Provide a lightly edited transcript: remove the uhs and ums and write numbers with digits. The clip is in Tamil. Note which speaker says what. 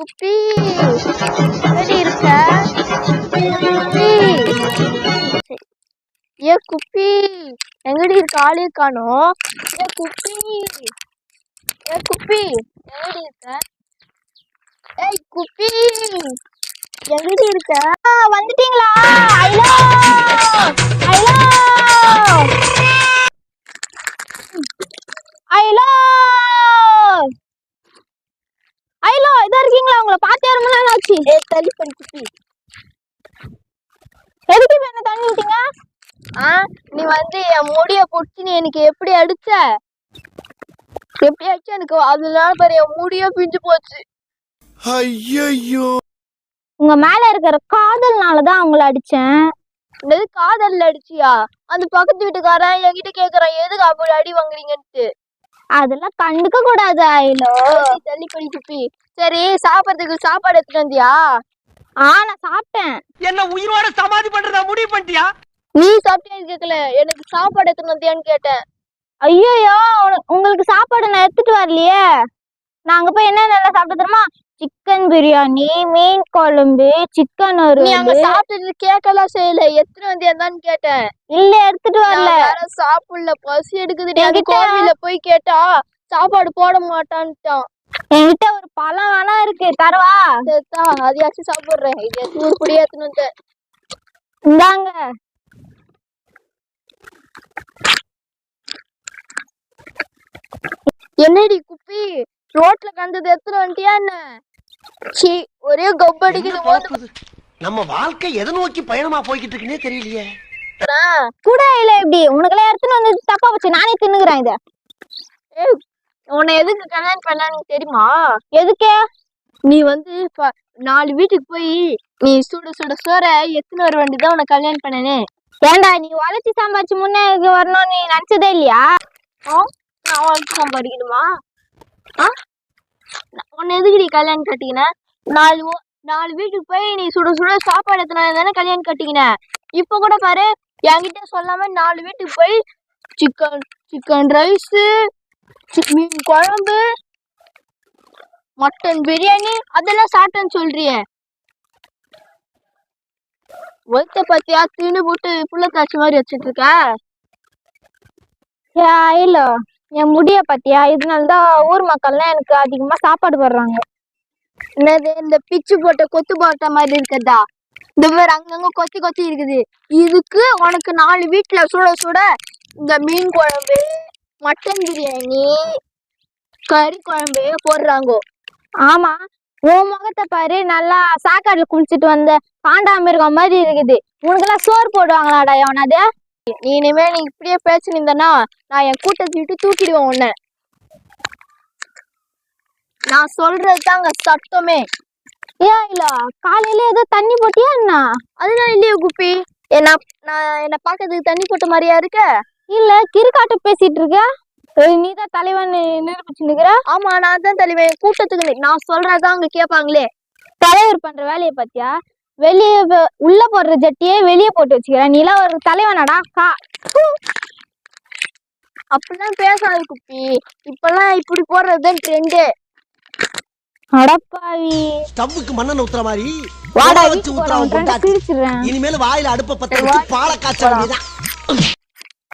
Speaker 1: குப்பி எங்கடி இருக்க? குப்பி ஏ குப்பி எங்கடி இருக்க? ஆளே காணோம். ஏ குப்பி எங்கடி இருக்க? ஏய் குப்பி எங்கடி இருக்க? வந்துட்டீங்களா? ஐலோ ஐலோ ஐலோ ஐலோ இதா இருக்கீங்களா? உங்களை பார்த்தே ரொம்ப நாள் ஆச்சு. தள்ளி பண்ணி குப்பி எதுக்கு இப்ப என்ன தண்ணி விட்டீங்க? நீ வந்து என் முடிய புடிச்சு நீ எனக்கு எப்படி அடிச்ச எனக்கு அதனால பாரு என் முடிய பிஞ்சு போச்சு.
Speaker 2: ஐயோ
Speaker 1: உங்க மேல இருக்கிற காதல்னாலதான் அவங்கள அடிச்சேன். என்னது காதல்ல அடிச்சியா? அந்த பக்கத்து வீட்டுக்காரன் என்கிட்ட கேக்குறான் எதுக்கு அப்படி அடி வாங்குறீங்கன்ட்டு. அதெல்லாம் கண்டுக்க கூடாது ஐலோ. தள்ளி பண்ணி குப்பி. சரி சாப்பிடறதுக்கு சாப்பாடு எடுத்துட்டு வந்தியா? நான் சாப்பிட்டேன்.
Speaker 3: என்ன உயிரோட சமாதி பண்றதா முடிவு பண்ணிட்டியா?
Speaker 1: நீ சாப்பிட்டேன்னு கேட்கல, எனக்கு சாப்பாடு எடுத்துட்டு வந்தியான்னு கேட்டேன். ஐயோ உங்களுக்கு சாப்பாடு நான் எடுத்துட்டு வரலையே. நாங்க போய் என்ன சாப்பிட்டு தெரியுமா? சிக்கன் பிரியாணி, மீன் குழம்பு, சிக்கன் ஒரு சாப்பிட்டது கேட்கலாம் செய்யல. எத்தனை வந்தியான்னு கேட்டேன். இல்ல எடுத்துட்டு வரல. சாப்பிடல, பசி எடுக்குது. கோவில போய் கேட்டா சாப்பாடு போட மாட்டான்ட்டான். என்கிட்ட ஒரு பழம் வேணா இருக்கு, தரவா? அதையாச்சும் சாப்பிடுறேன். இது தூர் குடியே எடுத்துன்னு வந்து இந்தாங்க. என்னடி குப்பி ரோட்ல கண்டது எத்தனை வண்டியா என்ன? ஒரே கப் அடிக்குது.
Speaker 3: நம்ம வாழ்க்கை எதை நோக்கி பயணமா போய்கிட்டு இருக்குன்னே தெரியலையே.
Speaker 1: கூட இல்ல எப்படி உனக்குலாம் எடுத்துன்னு வந்து தப்பா போச்சு. நானே தின்னுக்கிறேன் இத. உன்னை எதுக்கு கல்யாணம் பண்ணான்னு தெரியுமா? எதுக்கே? நீ வந்து 4 வீட்டுக்கு போய் நீ சுட சுட சோற எத்தனை வர வேண்டியதான் உன்னை கல்யாணம் பண்ணனே. ஏண்டா நீ உழைச்சி சம்பாரிச்சு முன்னே வரணும்னு நீ நினைச்சதே இல்லையா? நான் உழைச்சி சம்பாதிக்கணுமா? உன்னை எதுக்கு நீ கல்யாணம் கட்டிக்கின? 4 வீட்டுக்கு போய் நீ சுட சுட சாப்பாடு எத்தனை தானே கல்யாணம் கட்டிக்கின. இப்ப கூட பாரு என்கிட்ட சொல்லாம 4 வீட்டுக்கு போய் சிக்கன் ரைஸ், மீன் குழம்பு, மட்டன் பிரியாணி அதெல்லாம் சாப்பிட்டேன்னு சொல்றியே. ஒருத்த பத்தியா தீனு போட்டு புள்ள காட்சி மாதிரி வச்சுட்டு இருக்க. இல்ல என் முடிய பத்தியா? இதனாலதான் ஊர் மக்கள்லாம் எனக்கு அதிகமா சாப்பாடு போடுறாங்க. என்னது இந்த பிச்சு போட்ட கொத்து போட்ட மாதிரி இருக்கதா? இந்த மாதிரி அங்கங்க கொத்தி இருக்குது. இதுக்கு உனக்கு 4 வீட்டுல சுட சுட இந்த மீன் குழம்பு, மட்டன் பிரியாணி, கறி குழம்பு போடுறாங்க. ஆமா உன் முகத்தை பாரு, நல்லா சாக்காடுல குளிச்சுட்டு வந்த பாண்டாமிருகம் மாதிரி இருக்குது. உனக்கெல்லாம் சோறு போடுவாங்களாடா எவனாது? நீ இனிமே நீ இப்படியே பேசினிருந்தனா நான் என் கூட்டத்தை விட்டு தூக்கிடுவேன் உன்னை. நான் சொல்றதுதாங்க சட்டமே. இல்ல காலையில ஏதோ தண்ணி போட்டியா என்ன? அதுதான் இல்லையே குப்பி. என்ன பாக்கிறதுக்கு தண்ணி போட்ட மாதிரியா இருக்க? இல்ல கிறுக்காட்டு பேசிட்டு இருக்க. நீதான் தலைவன் நிரூபிச்சுக்கிற. ஆமா நான் தான் தலைவன். கூட்டத்துக்கு நான் சொல்றதான் அங்க கேட்பாங்களே. தலைவர் பண்ற வேலையை பத்தியா? வெளியே உள்ள போடுற ஜட்டியே வெளியே போட்டு வச்சுக்கிறேன். நீலாம் ஒரு தலைவனாடா? அப்படிலாம் பேசாது குப்பி. இப்பெல்லாம் இப்படி போடுறதுதான் ட்ரெண்டு. அடப்பாவி
Speaker 3: ஸ்டவ்வுக்கு மண்ணெண்ணெய் ஊத்துற மாதிரி
Speaker 1: வாடா
Speaker 3: வச்சு ஊத்துறான்.
Speaker 1: பிரிச்சிடுறேன்.
Speaker 3: இனிமேல் வாயில அடுப்ப பத்த வச்சு பாலை காய்ச்ச வேண்டியதான்.